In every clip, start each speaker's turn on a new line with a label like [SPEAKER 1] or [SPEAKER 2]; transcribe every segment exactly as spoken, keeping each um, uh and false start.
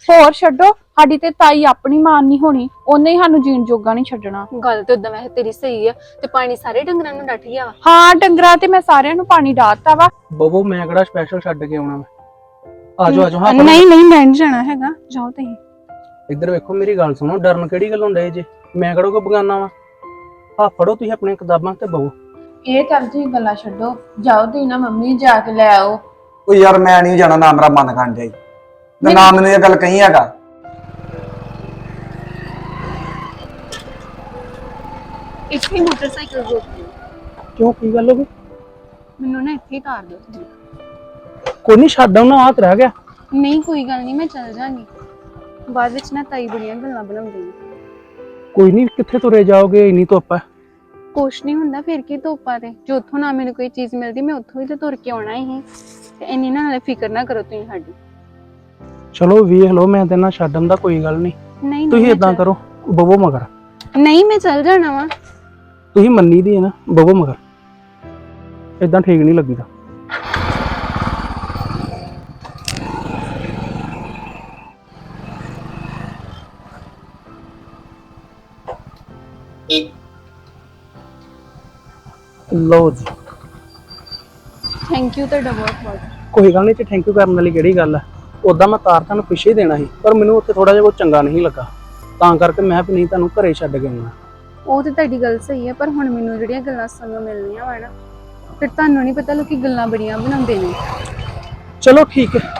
[SPEAKER 1] ਹੋਰ ਛੱਡੋ, ਸਾਡੀ ਤੇ ਤਾਈ ਆਪਣੀ ਮਾਨ ਨਹੀਂ ਹੋਣੀ, ਉਹਨੇ ਹੀ ਸਾਨੂੰ ਜੀਣ ਜੋਗਾ ਨਹੀਂ ਛੱਡਣਾ।
[SPEAKER 2] ਗੱਲ ਤੇ ਉਦਾਂ ਵੈਸੇ ਤੇਰੀ ਸਹੀ ਆ। ਤੇ ਪਾਣੀ ਸਾਰੇ ਡੰਗਰਾਂ ਨੂੰ ਡੱਠ ਗਿਆ ਵਾ?
[SPEAKER 1] ਹਾਂ ਡੰਗਰਾਂ ਤੇ ਮੈਂ ਸਾਰਿਆਂ ਨੂੰ ਪਾਣੀ ਡਾਤਾ ਵਾ।
[SPEAKER 3] ਬਬੂ ਮੈਂ ਕਿਹੜਾ ਸਪੈਸ਼ਲ ਛੱਡ ਕੇ ਆਉਣਾ ਮੈਂ। ਆਜੋ ਆਜੋ। ਹਾਂ
[SPEAKER 1] ਨਹੀਂ ਨਹੀਂ ਮੈਂ ਨਹੀਂ ਜਾਣਾ ਹੈਗਾ, ਜਾਓ ਤੁਸੀਂ।
[SPEAKER 3] ਇੱਧਰ ਵੇਖੋ ਮੇਰੀ ਗੱਲ ਸੁਣੋ, ਡਰਨ ਕਿਹੜੀ ਗੱਲੋਂ ਡੇ ਜੇ? ਮੈਂ ਕਿਹੜਾ ਕੋ ਬਗਾਨਾ ਵਾ। ਆ ਫੜੋ ਤੁਸੀਂ ਆਪਣੀਆਂ ਕਿਤਾਬਾਂ ਤੇ ਬਹੋ।
[SPEAKER 1] ਇਹ ਚੱਲ ਤੁਸੀਂ ਗੱਲਾਂ ਛੱਡੋ, ਜਾਓ ਤੁਸੀਂ ਨਾ ਮੰਮੀ ਜਾ ਕੇ ਲੈ ਆਓ।
[SPEAKER 4] ਉਹ ਯਾਰ ਮੈਂ ਨਹੀਂ ਜਾਣਾ, ਨਾ ਮੇਰਾ ਮਨ ਕਰਨ ਜਾਈ ਤੇ ਨਾ ਮੈਨੂੰ ਇਹ ਗੱਲ ਕਹੀ ਹੈਗਾ।
[SPEAKER 2] ਇੱਥੇ ਮੋਟਰਸਾਈਕਲ ਰੋਕ ਦਿਓ।
[SPEAKER 3] ਕਿਉਂ ਕੀ ਗੱਲ ਹੋ ਗਈ?
[SPEAKER 2] ਮੈਨੂੰ ਨਾ ਇੱਥੇ ਤਾਰ ਦਿਓ ਤੁਸੀਂ।
[SPEAKER 3] ਕੋਈ ਨਹੀਂ ਛੱਡ ਆਉਣਾ, ਹੱਥ ਰਹਿ ਗਿਆ।
[SPEAKER 2] ਨਹੀਂ ਕੋਈ ਗੱਲ ਨਹੀਂ, ਮੈਂ ਚੱਲ ਜਾਾਂਗੀ। ਬਾਅਦ ਵਿੱਚ ਨਾ ਤਾਈ ਬੜੀਆਂ ਗੱਲਾਂ ਬਣਾਉਂਦੀ ਹੈ।
[SPEAKER 3] ਕੋਈ ਨਹੀਂ, ਕਿੱਥੇ ਤੁਰੇ ਜਾਓਗੇ, ਇੰਨੀ ਧੁੱਪ ਹੈ।
[SPEAKER 2] ਕੁਛ ਨਹੀਂ ਹੁੰਦਾ, ਫਿਰ ਕੀ ਧੋਪਾ ਤੇ ਜੋ ਉੱਥੋਂ ਨਾ ਮੈਨੂੰ ਕੋਈ ਚੀਜ਼ ਮਿਲਦੀ ਮੈਂ ਉੱਥੋਂ ਹੀ ਤੇ ਤੁਰ ਕੇ ਆਉਣਾ ਹੀ। ਤੇ ਇੰਨੀ ਨਾ ਨਾਲੇ ਫਿਕਰ ਨਾ ਕਰੋ ਤੁਸੀਂ ਸਾਡੀ।
[SPEAKER 3] ਚਲੋ ਵੇਖ ਲਓ, ਮੈਂ ਤੇ ਨਾ ਛੱਡਣ ਦਾ ਕੋਈ ਗੱਲ ਨਹੀਂ।
[SPEAKER 2] ਨਹੀਂ
[SPEAKER 3] ਤੁਸੀਂ
[SPEAKER 2] ਨਹੀਂ
[SPEAKER 3] ਇਦਾਂ ਕਰੋ, ਬਵੋ ਮਗਰ।
[SPEAKER 2] ਨਹੀਂ ਮੈਂ ਚੱਲ ਜਾਣਾ ਵਾ।
[SPEAKER 3] ਤੁਸੀਂ ਮੰਨੀ ਦੀ ਹੈ ਨਾ, ਬਵੋ ਮਗਰ। ਇਦਾਂ ਠੀਕ ਨਹੀਂ ਲੱਗੀਦਾ। ਲਓ ਜੀ।
[SPEAKER 2] ਥੈਂਕ ਯੂ ਤੁਹਾਡਾ ਬਹੁਤ ਬਹੁਤ।
[SPEAKER 3] ਕੋਈ ਗੱਲ ਨਹੀਂ, ਤੇ ਥੈਂਕ ਯੂ ਕਰਨ ਵਾਲੀ ਕਿਹੜੀ ਗੱਲ ਹੈ। ਉਦਾਂ ਮੈਂ ਤਾਰ ਤੁਹਾਨੂੰ ਪਿੱਛੇ ਹੀ ਦੇਣਾ ਸੀ, ਪਰ ਮੈਨੂੰ ਉੱਥੇ ਥੋੜਾ ਜਿਹਾ ਕੋਈ ਚੰਗਾ ਨਹੀਂ ਲੱਗਾ, ਤਾਂ ਕਰਕੇ ਮੈਂ ਵੀ ਨਹੀਂ ਤੁਹਾਨੂੰ ਘਰੇ ਛੱਡ ਕੇ ਆਉਣਾ।
[SPEAKER 2] ਉਹ ਤੇ ਤੁਹਾਡੀ ਗੱਲ ਸਹੀ ਹੈ, ਪਰ ਹੁਣ ਮੈਨੂੰ ਜਿਹੜੀਆਂ ਗੱਲਾਂ ਸੁਣਨ ਮਿਲਣੀਆਂ ਵਾ ਨਾ, ਫਿਰ ਤੁਹਾਨੂੰ ਨਹੀਂ ਪਤਾ ਲੋਕੀ ਗੱਲਾਂ ਬੜੀਆਂ ਬਣਾਉਂਦੇ ਨੇ।
[SPEAKER 3] ਚਲੋ ਠੀਕ ਹੈ।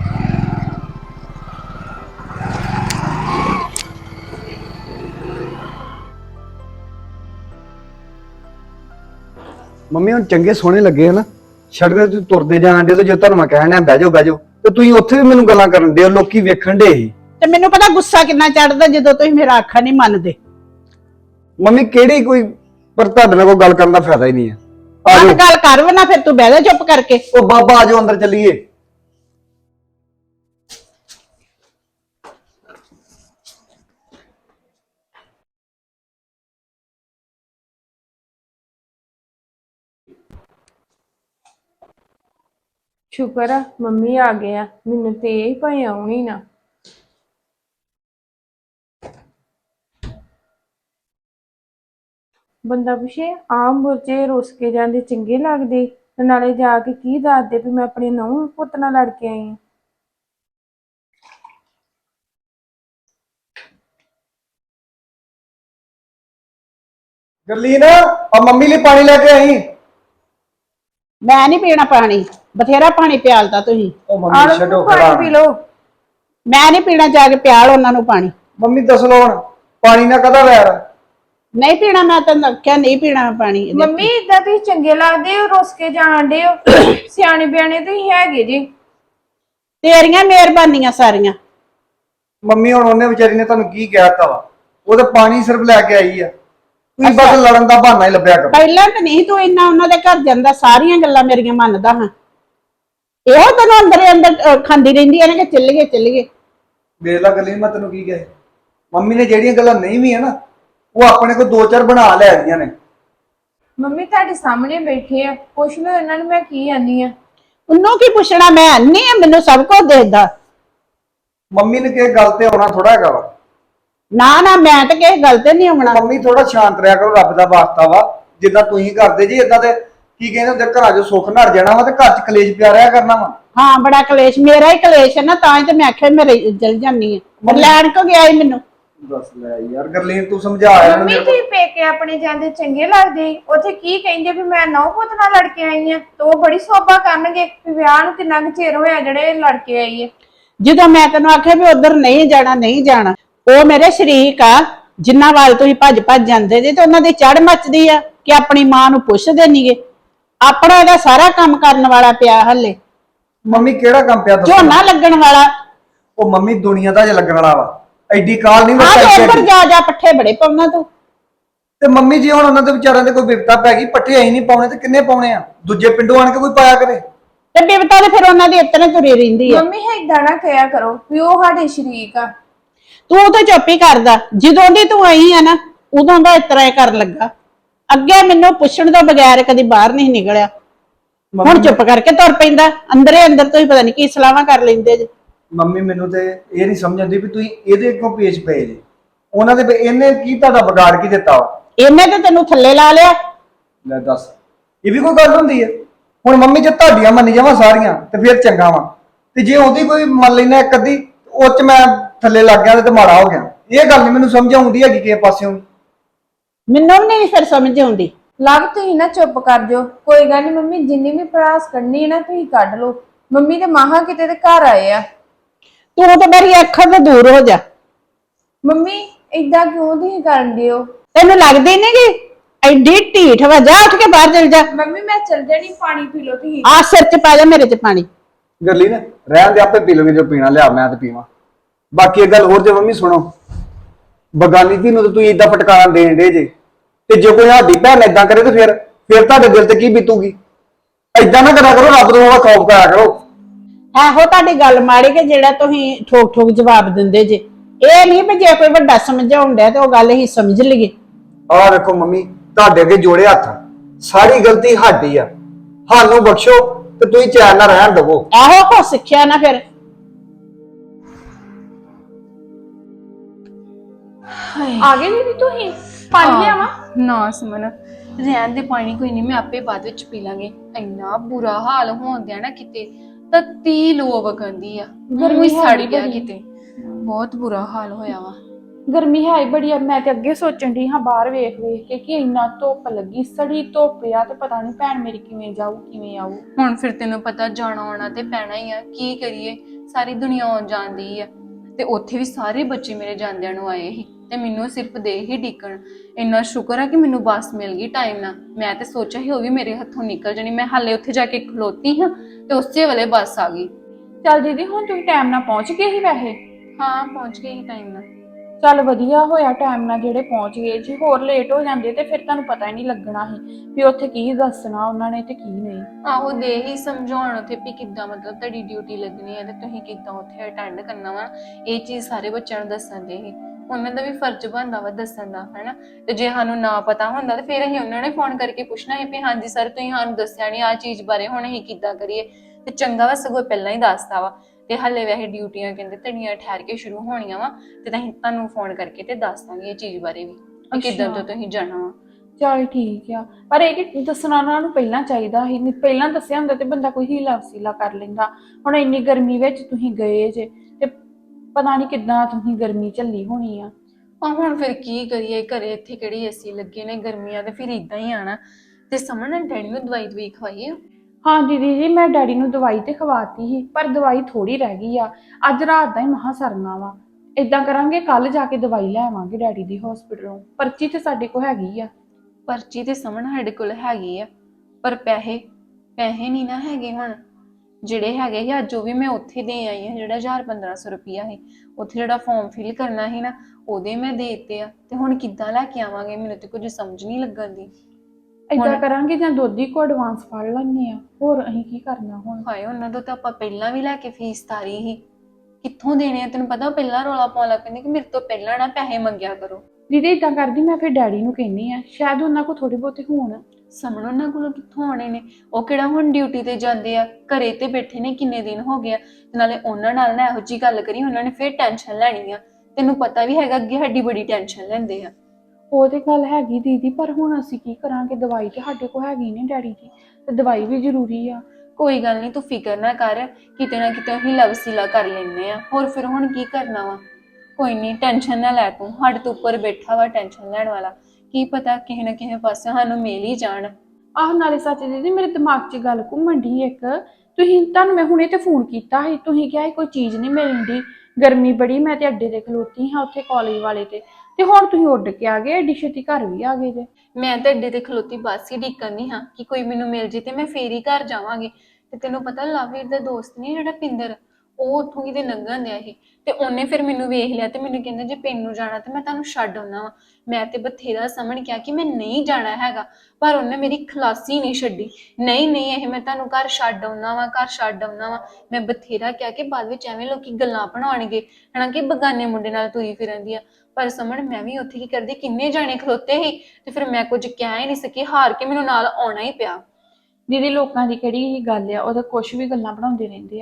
[SPEAKER 4] ਮੰਮੀ ਹੁਣ ਚੰਗੇ ਸੋਹਣੇ ਲੱਗੇ ਹਨ, ਸੜਕ ਤੇ ਤੁਸੀਂ ਤੁਰਦੇ ਜਾਣ ਦੇ, ਤੇ ਜੇ ਤੁਹਾਨੂੰ ਮੈਂ ਕਹਿਣਾ ਬਹਿ ਜਾਓ ਬਹਿ ਜਾਓ, ਤੇ ਤੁਸੀਂ ਉੱਥੇ ਵੀ ਮੈਨੂੰ ਗੱਲਾਂ ਕਰਨ ਦੇ, ਲੋਕੀ ਵੇਖਣ ਦੇ ਸੀ।
[SPEAKER 5] ਤੇ ਮੈਨੂੰ ਪਤਾ ਗੁੱਸਾ ਕਿੰਨਾ ਚੜਦਾ ਜਦੋਂ ਤੁਸੀਂ ਮੇਰਾ ਆਖਾ ਨਹੀਂ ਮੰਨਦੇ।
[SPEAKER 4] ਮੰਮੀ ਕਿਹੜੀ ਕੋਈ, ਪਰ ਤੁਹਾਡੇ ਨਾਲ ਕੋਈ ਗੱਲ ਕਰਨ ਦਾ ਫਾਇਦਾ ਹੀ ਨਹੀਂ ਹੈ। ਆ
[SPEAKER 5] ਆਹ
[SPEAKER 4] ਜਾਓ।
[SPEAKER 5] ਗੱਲ ਕਰ ਵੀ ਨਾ, ਫਿਰ ਤੂੰ ਬਹਿ ਜਾ ਚੁੱਪ ਕਰਕੇ।
[SPEAKER 4] ਉਹ ਬਾਬਾ ਆ ਜਾਓ, ਅੰਦਰ ਚੱਲੀਏ।
[SPEAKER 1] ਸ਼ੁਕਰ ਆ ਮੰਮੀ ਆ ਗਏ ਆ, ਮੈਨੂੰ ਤੇ ਇਹ ਭਾਵੇਂ ਆਉਣੀ ਨਾ। ਬੰਦਾ ਪੁੱਛੇ ਆਮ ਬੁਰਜੇ ਰੁੱਸ ਕੇ ਜਾਂਦੇ ਚੰਗੇ ਲੱਗਦੇ, ਤੇ ਨਾਲੇ ਜਾ ਕੇ ਕੀ ਦੱਸਦੇ ਵੀ ਮੈਂ ਆਪਣੇ ਨੂੰਹ ਪੁੱਤ ਨਾਲ ਲੜ ਕੇ ਆਈ ਹਾਂ।
[SPEAKER 4] ਗਰਲੀਨ ਆ ਮੰਮੀ ਲਈ ਪਾਣੀ ਲੈ ਕੇ ਆਈ।
[SPEAKER 5] ਮੈਂ ਨਹੀਂ ਪੀਣਾ ਪਾਣੀ, ਬਥੇਰਾ ਪਾਣੀ ਪਿਆਲਦਾ ਤੁਸੀਂ।
[SPEAKER 4] ਉਹ ਮੰਮੀ ਛੱਡੋ ਖੜਾ।
[SPEAKER 1] ਪੀ ਲਓ।
[SPEAKER 5] ਮੈਂ ਨਹੀਂ ਪੀਣਾ, ਜਾ ਕੇ ਪਿਆਲ ਉਹਨਾਂ ਨੂੰ ਪਾਣੀ।
[SPEAKER 4] ਮੰਮੀ ਦੱਸ ਲੋ ਹੁਣ, ਪਾਣੀ ਨਾ ਕਦਾ ਵੈਰ?
[SPEAKER 5] ਨਹੀਂ ਪੀਣਾ, ਮੈਂ ਤੈਨੂੰ ਆਖਿਆ ਨਹੀਂ ਪੀਣਾ ਪਾਣੀ।
[SPEAKER 1] ਮੰਮੀ ਇਦਾਂ ਤੁਸੀਂ ਚੰਗੇ ਲੱਗਦੇ ਹੋ, ਰੁੱਸ ਕੇ ਜਾਣ ਦੇ ਹੋ, ਸਿਆਣੇ ਬਿਆਣੇ ਤੁਸੀਂ ਹੈਗੇ ਜੀ।
[SPEAKER 5] ਤੇਰੀਆਂ ਮਿਹਰਬਾਨੀਆਂ ਸਾਰੀਆਂ।
[SPEAKER 4] ਮੰਮੀ ਹੁਣ ਉਹਨੇ ਵਿਚਾਰੀ ਨੇ ਤੁਹਾਨੂੰ ਕੀ ਕਹਿਤਾ ਵਾ? ਉਹ ਤਾਂ ਪਾਣੀ ਸਿਰਫ ਲੈ ਕੇ ਆਈ ਆ, ਤੁਸੀਂ ਬਸ ਲੜਨ ਦਾ ਬਹਾਨਾ ਹੀ ਲੱਭਿਆ ਕਰੋ।
[SPEAKER 5] ਪਹਿਲਾਂ ਤਾਂ ਨਹੀਂ ਤੂੰ ਇੰਨਾ ਉਹਨਾਂ ਦੇ ਘਰ ਜਾਂਦਾ, ਸਾਰੀਆਂ ਗੱਲਾਂ ਮੇਰੀਆਂ ਮੰਨਦਾ ਹਾਂ। ਇਹੋ ਤੈਨੂੰ ਅੰਦਰੇ ਅੰਦਰ ਅਹ, ਖਾਂਦੀ ਰਹਿੰਦੀ ਹੈ ਨਾ ਕਿ ਚੱਲੀਏ ਚੱਲੀਏ।
[SPEAKER 4] ਵੇਖ ਲਾ ਗਰਲੀਨ, ਮੈਂ ਤੈਨੂੰ ਕੀ ਕਹੇ, ਮੰਮੀ ਨੇ ਜਿਹੜੀਆਂ ਗੱਲਾਂ ਨਹੀਂ ਵੀ ਹੈ ਨਾ, ਉਹ ਆਪਣੇ ਕੋਲ ਦੋ ਚਾਰ ਬਣਾ ਲੈ ਆਈਆਂ ਨੇ।
[SPEAKER 1] ਮੰਮੀ ਤੁਹਾਡੇ ਸਾਹਮਣੇ ਬੈਠੇ ਆ, ਪੁੱਛ ਲਓ ਇਹਨਾਂ ਨੂੰ ਮੈਂ ਕੀ ਆਨੀ ਆ।
[SPEAKER 5] ਉਹਨੂੰ ਕੀ ਪੁੱਛਣਾ, ਮੈਂ ਅੰਨੀ ਆ, ਮੈਨੂੰ ਸਭ ਕੁਝ ਦੇਖਦਾ।
[SPEAKER 4] ਮੰਮੀ ਨੇ ਕਿਸੇ ਗੱਲ ਤੇ ਆਉਣਾ ਥੋੜਾ ਹੈਗਾ ਵਾ।
[SPEAKER 5] ਨਾ ਨਾ ਮੈਂ ਤਾਂ ਕਿਸੇ ਗੱਲ ਤੇ ਨਹੀਂ ਆਉਣਾ।
[SPEAKER 4] ਮੰਮੀ ਥੋੜਾ ਸ਼ਾਂਤ ਰਿਹਾ ਕਰੋ, ਰੱਬ ਦਾ ਵਾਸਤਾ ਵਾ। ਜਿੱਦਾਂ ਤੁਸੀਂ ਕਰਦੇ ਜੀ ਇਦਾਂ ਤੇ ਕੀ ਕਹਿੰਦੇ ਹੁੰਦੇ, ਘਰਾਂ 'ਚ ਸੁੱਖ ਨੜ ਜਾਣਾ ਵਾ ਤੇ ਘਰ 'ਚ ਕਲੇਸ਼ ਪਿਆ ਰਿਹਾ ਕਰਨਾ ਵਾ।
[SPEAKER 5] ਹਾਂ ਬੜਾ ਕਲੇਸ਼, ਮੇਰਾ ਹੀ ਕਲੇਸ਼ ਹੈ ਨਾ, ਤਾਂ ਹੀ ਤੇ ਮੈਂ ਆਖਿਆ ਮੇਰੇ ਜਲ ਜਾਨੀ ਆ। ਲੈਣ ਕੋ ਗਿਆ ਹੀ ਮੈਨੂੰ।
[SPEAKER 4] ਦੱਸ ਲੈ ਯਾਰ ਗਰਲੀਨ, ਤੂੰ ਸਮਝਾ ਇਹਨੂੰ
[SPEAKER 1] ਮੰਮੀ
[SPEAKER 4] ਮੇਰੇ
[SPEAKER 1] ਤੁਸੀਂ ਪੇਕੇ ਆਪਣੇ ਜਾਂਦੇ ਚੰਗੇ ਲੱਗਦੇ, ਉੱਥੇ ਕੀ ਕਹਿੰਦੇ ਵੀ ਮੈਂ ਨੌ ਪੁੱਤ ਨਾਲ ਲੜ ਕੇ ਆਈ ਆ, ਤੇ ਉਹ ਬੜੀ ਸੋਭਾ ਕਰਨਗੇ ਵੀ ਵਿਆਹ ਨੂੰ ਕਿੰਨਾ ਕੁ ਚਿਰ ਹੋਇਆ ਜਿਹੜੇ ਲੜ ਕੇ ਆਈ ਹੈ।
[SPEAKER 5] ਜਦੋਂ ਮੈਂ ਤੈਨੂੰ ਆਖਿਆ ਵੀ ਉਧਰ ਨਹੀਂ ਜਾਣਾ ਨਹੀਂ ਜਾਣਾ, ਉਹ ਮੇਰੇ ਸ਼ਰੀਕ ਆ, ਜਿੰਨਾ ਵੱਲ ਤੁਸੀਂ ਭੱਜ ਭੱਜ ਜਾਂਦੇ ਜੇ, ਤੇ ਉਹਨਾਂ ਦੀ ਚੜ ਮੱਚਦੀ ਆ ਕਿ ਆਪਣੀ ਮਾਂ ਨੂੰ ਪੁੱਛਦੇ ਨਹੀਂਗੇ। ਆਪਣਾ ਇਹਦਾ ਸਾਰਾ ਕੰਮ ਕਰਨ ਵਾਲਾ ਪਿਆ ਹੱਲੇ,
[SPEAKER 4] ਮੰਮੀ ਕਿਹੜਾ ਕੰਮ ਪਿਆ ਦੱਸੋ?
[SPEAKER 5] ਝੋਨਾ ਲੱਗਣ ਵਾਲਾ।
[SPEAKER 4] ਉਹ ਮੰਮੀ ਦੁਨੀਆ ਦਾ ਜੇ ਲੱਗਣ ਵਾਲਾ ਵਾ, ਐਡੀ ਕਾਲ ਨਹੀਂ
[SPEAKER 5] ਆ ਤੇ
[SPEAKER 4] ਵਰਤਾਈ
[SPEAKER 5] ਉੱਧਰ ਜਾ ਜਾ ਪੱਠੇ ਬੜੇ ਪਾਉਣਾ ਤੂੰ।
[SPEAKER 4] ਤੇ ਮੰਮੀ ਜੀ ਹੁਣ ਉਹਨਾਂ ਦੇ ਵਿਚਾਰਿਆਂ ਦੇ ਕੋਈ ਵਿਪਤਾ ਪੈ ਗਈ, ਪੱਠੇ ਐਂ ਨਹੀਂ ਪਾਉਣੇ ਤੇ ਕਿੰਨੇ ਪਾਉਣੇ ਆ? ਦੂਜੇ ਪਿੰਡੋਂ ਆਣ ਕੇ ਕੋਈ ਪਾਇਆ ਕਰੇ।
[SPEAKER 5] ਤੇ ਬਿਪਤਾ ਤੇ ਫਿਰ ਉਹਨਾਂ ਦੀ ਇਤਨੇ ਤੁਰੀ ਰਹਿੰਦੀ ਆ।
[SPEAKER 1] ਮੰਮੀ ਏਦਾਂ ਨਾ ਕਿਹਾ ਕਰੋ ਵੀ ਉਹ ਸਾਡੇ ਸ਼ਰੀਕ ਆ।
[SPEAKER 5] ਤੂੰ ਤਾਂ ਚੁੱਪ ਹੀ ਕਰਦਾ, ਜਦੋਂ ਦੀ ਤੂੰ ਆਈ ਆ ਨਾ ਉਦੋਂ ਦਾ ਇਸ ਤਰ੍ਹਾਂ ਕਰਨ ਲੱਗਾ। ਅੱਗੇ ਮੈਨੂੰ ਪੁੱਛਣ ਤੋਂ ਬਗੈਰ ਕਦੀ ਬਾਹਰ ਨਹੀਂ ਨਿਕਲਿਆ, ਹੁਣ ਚੁੱਪ ਕਰਕੇ ਤੁਰ ਪੈਂਦਾ। ਅੰਦਰੇ ਅੰਦਰ ਤੋਂ ਹੀ ਪਤਾ ਨਹੀਂ ਕੀ ਸਲਾਹਾਂ ਕਰ ਲੈਂਦੇ ਜੇ।
[SPEAKER 4] ਮੰਮੀ ਮੈਨੂੰ ਤੇ ਇਹ ਨਹੀਂ ਸਮਝ ਆਉਂਦੀ ਵੀ ਤੁਸੀਂ ਇਹਦੇ ਕਿਉਂ ਪੇਸ਼ ਪਏ ਜੇ ਉਹਨਾਂ ਦੇ ਇਹਨੇ ਕੀ ਤੁਹਾਡਾ ਵਿਗਾੜ ਕੀ ਦਿੱਤਾ ਵਾ?
[SPEAKER 5] ਇਹਨੇ ਤੇ ਤੈਨੂੰ ਥੱਲੇ ਲਾ ਲਿਆ।
[SPEAKER 4] ਲੈ ਦੱਸ, ਇਹ ਵੀ ਕੋਈ ਗੱਲ ਹੁੰਦੀ ਹੈ? ਹੁਣ ਮੰਮੀ ਜੇ ਤੁਹਾਡੀਆਂ ਮੰਨੀ ਜਾਵਾਂ ਸਾਰੀਆਂ ਤੇ ਫਿਰ ਚੰਗਾ ਵਾ, ਤੇ ਜੇ ਉਹਦੀ ਕੋਈ ਮੰਨ ਲੈਣਾ ਇੱਕ ਅੱਧੀ ਉਹ ਚ ਮੈਂ ਥੱਲੇ ਲੱਗ ਗਿਆ ਤੇ ਮਾੜਾ ਹੋ ਗਿਆ। ਇਹ ਗੱਲ ਨਹੀਂ ਮੈਨੂੰ ਸਮਝ ਆਉਂਦੀ ਹੈਗੀ ਕਿਸੇ ਪਾਸਿਓਂ।
[SPEAKER 5] ਮੈਨੂੰ ਵੀ ਨਹੀਂ ਫਿਰ ਸਮਝ ਆਉਂਦੀ।
[SPEAKER 1] ਲੱਗ ਤੁਸੀਂ ਨਾ ਚੁੱਪ ਕਰ ਜਾਓ, ਕੋਈ ਗੱਲ ਨਹੀਂ ਮੰਮੀ, ਜਿੰਨੀ ਵੀ ਭੜਾਸ ਕੱਢਣੀ ਹੈ ਨਾ ਤੁਸੀਂ ਕੱਢ ਲਓ। ਮੰਮੀ ਤੇ ਮਾਹਾ ਕਿਤੇ ਦੇ ਘਰ ਆਏ ਆ।
[SPEAKER 5] ਤੂੰ ਤਾਂ ਮੇਰੀ ਅੱਖਾਂ ਤੋਂ ਦੂਰ ਹੋ ਜਾ।
[SPEAKER 1] ਮੰਮੀ ਏਦਾਂ ਕਿਉਂ ਤੁਸੀਂ ਕਰਨ ਦਿਓ?
[SPEAKER 5] ਤੈਨੂੰ ਲੱਗਦੀ ਨਹੀਂ ਕਿ ਐਡੀ ਢੀਠ ਵਾ, ਜਾ ਉੱਠ ਕੇ ਬਾਹਰ ਚਲ ਜਾ।
[SPEAKER 1] ਮੰਮੀ ਮੈਂ ਚੱਲ ਜਾਣੀ, ਪਾਣੀ ਪੀ ਲਓ ਤੁਸੀਂ।
[SPEAKER 5] ਆ ਸਿਰ ਚ ਪਾ ਜਾ ਮੇਰੇ ਚ ਪਾਣੀ।
[SPEAKER 4] ਗਰਲੀ ਨੇ ਰਹਿਣ ਦੇ, ਆਪੇ ਪੀ ਲਓਗੇ ਜੋ ਪੀਣਾ, ਲਿਆ ਮੈਂ ਤੇ ਪੀਵਾਂ। ਬਾਕੀ ਇੱਕ ਗੱਲ ਹੋਰ ਜੇ ਮੰਮੀ ਸੁਣੋ, ਬਗਾਨੀ ਧੀ ਨੂੰ ਤਾਂ ਤੁਸੀਂ ਏਦਾਂ ਫਟਕਾਰਾਂ ਦੇਣ ਦੇ ਜੇ, ਤੇ ਜੇ ਕੋਈ ਸਾਡੀ ਭੈਣ ਏਦਾਂ ਕਰੇ ਤੇ ਫਿਰ ਫਿਰ ਤੁਹਾਡੇ ਦਿਲ ਤੇ ਕੀ ਬੀਤੂਗੀ? ਏਦਾਂ ਨਾ ਕਰਿਆ ਕਰੋ, ਰੱਬ ਤੋਂ ਖੌਫ ਕਰਿਆ ਕਰੋ।
[SPEAKER 5] ਇਹੋ ਤੁਹਾਡੀ ਗੱਲ ਮਾੜੀ ਕਿ ਜਿਹੜਾ ਤੁਸੀਂ ਠੋਕ ਠੋਕ ਜਵਾਬ ਦਿੰਦੇ ਜੇ। ਇਹ ਨਹੀਂ ਵੀ ਜੇ ਕੋਈ ਵੱਡਾ ਸਮਝਾਉਣ ਡਿਆ ਤੇ ਉਹ ਗੱਲ ਹੀ ਸਮਝ ਲਈਏ।
[SPEAKER 4] ਆਹ ਵੇਖੋ ਮੰਮੀ, ਤੁਹਾਡੇ ਅੱਗੇ ਜੋੜੇ ਹੱਥ, ਸਾਰੀ ਗਲਤੀ ਸਾਡੀ ਆ, ਸਾਨੂੰ ਬਖਸ਼ੋ ਤੇ ਤੁਸੀਂ ਚੈਨ ਨਾਲ ਰਹਿਣ ਦੇਵੋ।
[SPEAKER 5] ਇਹੋ ਕੋ ਸਿੱਖਿਆ ਨਾ ਫਿਰ।
[SPEAKER 1] ਆ ਗਏ ਦੀਦੀ ਤੁਸੀਂ? ਪਾਣੀ ਲਿਆਵਾਂ?
[SPEAKER 2] ਨਾ ਸਮਨ, ਰਹਿਣ ਦੇ ਪਾਣੀ, ਕੋਈ ਨਹੀਂ, ਮੈਂ ਆਪੇ ਬਾਅਦ ਵਿੱਚ ਪੀ ਲਾਂਗੇ। ਇੰਨਾ ਬੁਰਾ ਹਾਲ ਹੋਉਂਦਿਆ ਨਾ ਕਿਤੇ, ਤੱਤੀ ਲੋ ਵਗੰਦੀ ਆ, ਗਰਮੀ ਸੜ ਗਿਆ ਕਿਤੇ, ਬਹੁਤ ਬੁਰਾ ਹਾਲ ਹੋਇਆ ਵਾ।
[SPEAKER 1] ਗਰਮੀ ਹੈ ਹੀ ਬੜੀ ਆ। ਮੈਂ ਤੇ ਅੱਗੇ ਸੋਚਣ ਦੀ ਹਾਂ ਬਾਹਰ ਵੇਖ ਵੇਖ ਕੇ ਕਿ ਇੰਨਾ ਧੁੱਪ ਲੱਗੀ, ਸੜੀ ਧੁੱਪ ਆ, ਤੇ ਪਤਾ ਨਹੀਂ ਭੈਣ ਮੇਰੀ ਕਿਵੇਂ ਜਾਊ ਕਿਵੇਂ ਆਊ।
[SPEAKER 2] ਹੁਣ ਫਿਰ ਤੈਨੂੰ ਪਤਾ ਜਾਣਾ ਆਉਣਾ ਤੇ ਪੈਣਾ ਹੀ ਆ, ਕੀ ਕਰੀਏ, ਸਾਰੀ ਦੁਨੀਆ ਆਉਣ ਜਾਂਦੀ ਆ, ਤੇ ਉੱਥੇ ਵੀ ਸਾਰੇ ਬੱਚੇ ਮੇਰੇ ਜਾਂਦਿਆਂ ਨੂੰ ਆਏ ਸੀ ਤੇ ਮੈਨੂੰ ਸਿਰਫ ਦੇ ਹੀ ਡਿੱਕਣ। ਇੰਨਾ ਸ਼ੁਕਰ ਆ ਕਿ ਮੈਨੂੰ ਬੱਸ ਮਿਲ ਗਈ ਟਾਈਮ ਨਾਲ। ਮੈਂ ਤੇ ਸੋਚਿਆ ਸੀ ਉਹ ਵੀ ਮੇਰੇ ਹੱਥੋਂ ਨਿਕਲ ਜਾਣੀ, ਮੈਂ ਹਾਲੇ ਉੱਥੇ ਜਾ ਕੇ ਖਲੋਤੀ ਹਾਂ ਤੇ ਉਸੇ ਵੇਲੇ ਬੱਸ ਆ ਗਈ।
[SPEAKER 1] ਚੱਲ ਦੀਦੀ ਹੁਣ ਤੁਸੀਂ ਟਾਈਮ ਨਾਲ ਪਹੁੰਚ ਗਏ ਸੀ ਵੈਸੇ?
[SPEAKER 2] ਹਾਂ ਪਹੁੰਚ ਗਈ ਸੀ ਟਾਈਮ ਨਾਲ।
[SPEAKER 1] ਚੱਲ ਵਧੀਆ ਹੋਇਆ ਟਾਈਮ ਨਾਲ ਜਿਹੜੇ ਪਹੁੰਚ ਗਏ। ਜੇ ਹੋਰ ਲੇਟ ਹੋ ਜਾਂਦੇ ਤੇ ਫਿਰ ਤੁਹਾਨੂੰ ਪਤਾ ਹੀ ਨਹੀਂ ਲੱਗਣਾ ਸੀ ਵੀ ਉੱਥੇ ਕੀ ਦੱਸਣਾ ਉਹਨਾਂ ਨੇ ਤੇ ਕੀ ਨਹੀਂ।
[SPEAKER 2] ਆਹੋ ਦੇ ਹੀ ਸਮਝਾਉਣ ਉੱਥੇ ਵੀ ਕਿੱਦਾਂ ਮਤਲਬ ਤੁਹਾਡੀ ਡਿਊਟੀ ਲੱਗਣੀ ਹੈ ਤੇ ਤੁਸੀਂ ਕਿੱਦਾਂ ਉੱਥੇ ਅਟੈਂਡ ਕਰਨਾ ਵਾ, ਇਹ ਚੀਜ਼ ਸਾਰੇ ਬੱਚਿਆਂ ਨੂੰ ਦੱਸਣ ਦੇ ਹੀ। ਉਹਨਾਂ ਦਾ ਵੀ ਫਰਜ਼ ਬਣਦਾ ਵਾ ਦੱਸਣ ਦਾ, ਹਨਾ। ਤੇ ਜੇ ਸਾਨੂੰ ਨਾ ਪਤਾ ਹੁੰਦਾ ਤੇ ਫਿਰ ਅਸੀਂ ਉਹਨਾਂ ਨੇ ਫੋਨ ਕਰਕੇ ਪੁੱਛਣਾ ਸੀ ਵੀ ਹਾਂਜੀ ਸਰ ਤੁਸੀਂ ਸਾਨੂੰ ਦੱਸਿਆ ਨਹੀਂ ਆਹ ਚੀਜ਼ ਬਾਰੇ, ਹੁਣ ਅਸੀਂ ਕਿੱਦਾਂ ਕਰੀਏ। ਤੇ ਚੰਗਾ ਵਾ ਸਗੋਂ ਪਹਿਲਾਂ ਹੀ ਦੱਸਤਾ ਵਾ। ਤੇ ਹਾਲੇ ਵੈਸੇ ਡਿਊਟੀਆਂ ਕਹਿੰਦੇ ਤੜੀਆਂ ਠਹਿਰ ਕੇ ਸ਼ੁਰੂ ਹੋਣੀਆਂ ਵਾ, ਤੇ ਅਸੀਂ ਤੁਹਾਨੂੰ ਫੋਨ ਕਰਕੇ ਤੇ ਦੱਸ ਦਾਂਗੇ ਇਹ ਚੀਜ਼ ਬਾਰੇ ਵੀ ਕਿੱਦਾਂ ਤੋਂ ਤੁਸੀਂ ਜਾਣਾ ਵਾ।
[SPEAKER 1] ਚੱਲ ਠੀਕ ਆ, ਪਰ ਇਹ ਕਿ ਦੱਸਣਾ ਉਹਨਾਂ ਨੂੰ ਪਹਿਲਾਂ ਚਾਹੀਦਾ ਸੀ। ਪਹਿਲਾਂ ਦੱਸਿਆ ਹੁੰਦਾ ਤੇ ਬੰਦਾ ਕੋਈ ਹੀਲਾ ਵਸੀਲਾ ਕਰ ਲੈਂਦਾ। ਹੁਣ ਇੰਨੀ ਗਰਮੀ ਵਿੱਚ ਤੁਸੀਂ ਗਏ ਜੇ ਤੇ ਪਤਾ ਨਹੀਂ ਕਿੱਦਾਂ ਤੁਸੀਂ ਗਰਮੀ ਝੱਲੀ ਹੋਣੀ ਆ।
[SPEAKER 2] ਆਹ ਹੁਣ ਫਿਰ ਕੀ ਕਰੀਏ, ਘਰੇ ਇੱਥੇ ਕਿਹੜੀ ਏਸੀ ਲੱਗੇ ਨੇ, ਗਰਮੀਆਂ ਤੇ ਫਿਰ ਇਦਾਂ ਹੀ ਆਣਾ। ਤੇ ਸਮਝ ਡੈਡੀ ਨੂੰ ਦਵਾਈ ਦਵਾਈ ਖਵਾਈਏ?
[SPEAKER 1] ਹਾਂ ਦੀਦੀ ਜੀ, ਮੈਂ ਡੈਡੀ ਨੂੰ ਦਵਾਈ ਤੇ ਖਵਾਤੀ ਸੀ, ਪਰ ਦਵਾਈ ਥੋੜੀ ਰਹਿ ਗਈ ਆ। ਅੱਜ ਰਾਤ ਦਾ ਹੀ ਮਹਾ ਸਰਨਾ ਵਾ। ਏਦਾਂ ਕਰਾਂਗੇ ਕੱਲ ਜਾ ਕੇ ਦਵਾਈ ਲੈ ਆਵਾਂਗੇ ਡੈਡੀ ਦੀ ਹਸਪੀਟਲੋਂ। ਪਰਚੀ ਤੇ ਸਾਡੇ ਕੋਲ ਹੈਗੀ ਆ।
[SPEAKER 2] ਪਰਚੀ ਤੇ ਸਮਝ ਸਾਡੇ ਕੋਲ ਹੈਗੀ ਆ, ਪਰ ਪੈਸੇ ਪੈਸੇ ਨਹੀਂ ਨਾ ਹੈਗੇ। ਹੁਣ ਜਿਹੜੇ ਹੈਗੇ ਸੀ ਅੱਜ ਉਹ ਵੀ ਮੈਂ ਉੱਥੇ ਦੇ ਆਈ ਹਾਂ, ਜਿਹੜਾ ਹਜ਼ਾਰ ਪੰਦਰਾਂ ਸੌ ਰੁਪਇਆ ਸੀ ਉੱਥੇ ਜਿਹੜਾ ਫਾਰਮ ਫਿਲ ਕਰਨਾ ਸੀ ਨਾ, ਉਹਦੇ ਮੈਂ ਦੇ ਦਿੱਤੇ ਆ। ਤੇ ਹੁਣ ਕਿੱਦਾਂ ਲੈ ਕੇ ਆਵਾਂਗੇ, ਮੈਨੂੰ ਤੇ ਕੁਝ ਸਮਝ ਨਹੀਂ ਲੱਗਣ ਦੀ।
[SPEAKER 1] ਏਦਾਂ ਕਰਾਂਗੇ ਜਾਂ ਦੋਧੀ ਕੋ ਐਡਵਾਂਸ ਫੜ ਲੈਣੇ ਆ, ਹੋਰ ਅਸੀਂ ਕੀ ਕਰਨਾ ਹੁਣ।
[SPEAKER 2] ਹਾਏ ਉਹਨਾਂ ਤੋਂ ਤਾਂ ਆਪਾਂ ਪਹਿਲਾਂ ਵੀ ਲੈ ਕੇ ਫੀਸ ਤਾਰੀ ਸੀ, ਕਿੱਥੋਂ ਦੇਣੇ ਆ? ਤੈਨੂੰ ਪਤਾ ਉਹ ਪਹਿਲਾਂ ਰੌਲਾ ਪਾਉਣ ਲੱਗ ਪੈਂਦੇ ਕਿ ਮੇਰੇ ਤੋਂ ਪਹਿਲਾਂ ਨਾ ਪੈਸੇ ਮੰਗਿਆ ਕਰੋ।
[SPEAKER 1] ਦੀਦੀ ਏਦਾਂ ਕਰਦੀ, ਮੈਂ ਫਿਰ ਡੈਡੀ ਨੂੰ ਕਹਿੰਦੀ ਆ, ਸ਼ਾਇਦ ਉਹਨਾਂ ਕੋਲ ਥੋੜੇ ਬਹੁਤੇ ਹੋਣ।
[SPEAKER 2] ਸਮਝ ਉਹਨਾਂ ਕੋਲੋਂ ਕਿੱਥੋਂ ਆਉਣੇ ਨੇ? ਉਹ ਕਿਹੜਾ ਹੁਣ ਡਿਊਟੀ ਤੇ ਜਾਂਦੇ ਆ, ਘਰੇ ਤੇ ਬੈਠੇ ਨੇ ਕਿੰਨੇ ਦਿਨ ਹੋ ਗਏ ਆ। ਨਾਲੇ ਉਹਨਾਂ ਨਾਲ ਨਾ ਇਹੋ ਜਿਹੀ ਗੱਲ ਕਰੀ, ਉਹਨਾਂ ਨੇ ਫਿਰ ਟੈਨਸ਼ਨ ਲੈਣੀ ਆ। ਤੈਨੂੰ ਪਤਾ ਵੀ ਹੈਗਾ ਅੱਗੇ ਸਾਡੀ ਬੜੀ ਟੈਨਸ਼ਨ ਲੈਂਦੇ ਆ।
[SPEAKER 1] ਉਹ ਤੇ ਗੱਲ ਹੈਗੀ ਦੀਦੀ, ਪਰ ਹੁਣ ਅਸੀਂ ਕੀ ਕਰਾਂਗੇ? ਦਵਾਈ ਤੇ ਸਾਡੇ ਕੋਲ ਹੈਗੀ ਨੇ ਡੈਡੀ ਦੀ, ਤੇ ਦਵਾਈ ਵੀ ਜ਼ਰੂਰੀ ਆ।
[SPEAKER 2] ਕੋਈ ਗੱਲ ਨਹੀਂ, ਤੂੰ ਫਿਕਰ ਨਾ ਕਰ, ਕਿਤੇ ਨਾ ਕਿਤੇ ਅਸੀਂ ਲਵਸੀਲਾ ਕਰ ਲੈਂਦੇ ਆ। ਹੋਰ ਫਿਰ ਹੁਣ ਕੀ ਕਰਨਾ ਵਾ? ਕੋਈ ਨਹੀਂ, ਟੈਨਸ਼ਨ ਨਾ ਲੈ ਤੂੰ, ਸਾਡੇ ਤੋਂ ਉੱਪਰ ਬੈਠਾ ਵਾ ਟੈਨਸ਼ਨ ਲੈਣ ਵਾਲਾ। ਕੀ ਪਤਾ ਕਿਸੇ ਨਾ ਕਿਸੇ ਪਾਸੇ ਸਾਨੂੰ ਮਿਲ ਹੀ ਜਾਣ।
[SPEAKER 1] ਆਹ ਨਾਲੇ ਸੱਚ ਦੀਦੀ, ਮੇਰੇ ਦਿਮਾਗ 'ਚ ਗੱਲ ਘੁੰਮਣ ਡਈ ਇੱਕ। ਤੁਸੀਂ ਤੁਹਾਨੂੰ ਮੈਂ ਹੁਣੇ ਤੇ ਫੋਨ ਕੀਤਾ ਸੀ, ਤੁਸੀਂ ਕਿਹਾ ਕੋਈ ਚੀਜ਼ ਨਹੀਂ ਮਿਲਣ ਡਈ, ਗਰਮੀ ਬੜੀ। ਮੈਂ ਤੇ ਅੱਡੇ ਤੇ ਖਲੋਤੀ ਹਾਂ ਉੱਥੇ ਕਾਲਜ ਵਾਲੇ ਤੇ ਤੇ ਹੁਣ ਤੁਸੀਂ ਉੱਡ ਕੇ ਆ ਗਏ, ਐਡੀ ਛੇਤੀ ਘਰ ਵੀ ਆ ਗਏ ਜੇ।
[SPEAKER 2] ਮੈਂ ਤਾਂ ਅੱਡੇ ਤੇ ਖਲੋਤੀ ਬੱਸ ਹੀ ਢੀਕਣ ਦੀ ਹਾਂ ਕਿ ਕੋਈ ਮੈਨੂੰ ਮਿਲ ਜੇ ਤੇ ਮੈਂ ਫੇਰ ਹੀ ਘਰ ਜਾਵਾਂਗੀ। ਤੇ ਤੈਨੂੰ ਪਤਾ ਲਵਵੀਰ ਦਾ ਦੋਸਤ ਨਹੀਂ ਜਿਹੜਾ ਪਿੰਦਰ, ਉਹ ਉੱਥੋਂ ਕਿਤੇ ਲੰਘਣ ਦਿਆ ਸੀ ਤੇ ਉਹਨੇ ਫਿਰ ਮੈਨੂੰ ਵੇਖ ਲਿਆ ਤੇ ਮੈਨੂੰ ਕਹਿੰਦਾ ਜੇ ਪਿੰਡ ਨੂੰ ਜਾਣਾ ਤੇ ਮੈਂ ਤੁਹਾਨੂੰ ਛੱਡ ਆਉਣਾ ਵਾ। ਮੈਂ ਤੇ ਬਥੇਰਾ ਸਮਝ ਕਿਹਾ ਕਿ ਮੈਂ ਨਹੀਂ ਜਾਣਾ ਹੈਗਾ, ਪਰ ਉਹਨੇ ਮੇਰੀ ਖਲਾਸੀ ਨਹੀਂ ਛੱਡੀ। ਨਹੀਂ ਨਹੀਂ ਇਹ ਮੈਂ ਤੁਹਾਨੂੰ ਘਰ ਛੱਡ ਆਉਣਾ ਵਾ, ਘਰ ਛੱਡ ਆਉਣਾ ਵਾ। ਮੈਂ ਬਥੇਰਾ ਕਿਹਾ ਕਿ ਬਾਅਦ ਵਿੱਚ ਐਵੇਂ ਲੋਕੀ ਗੱਲਾਂ ਬਣਾਉਣਗੇ ਹਨਾ ਕਿ ਬਗਾਨੇ ਮੁੰਡੇ ਨਾਲ ਤੁਰੀ ਫਿਰਦੀ ਆ। ਪਰ ਸਮਝ ਮੈਂ ਵੀ ਉੱਥੇ ਕੀ ਕਰਦੀ, ਕਿੰਨੇ ਜਾਣੇ ਖਲੋਤੇ ਸੀ ਤੇ ਫਿਰ ਮੈਂ ਕੁਝ ਕਹਿ ਹੀ ਨਹੀਂ ਸਕੀ, ਹਾਰ ਕੇ ਮੈਨੂੰ ਨਾਲ ਆਉਣਾ ਹੀ ਪਿਆ।
[SPEAKER 1] ਦੀਦੀ ਲੋਕਾਂ ਦੀ ਕਿਹੜੀ ਗੱਲ ਆ, ਉਹਦਾ ਕੁਛ ਵੀ ਗੱਲਾਂ ਬਣਾਉਂਦੇ ਰਹਿੰਦੇ ਆ।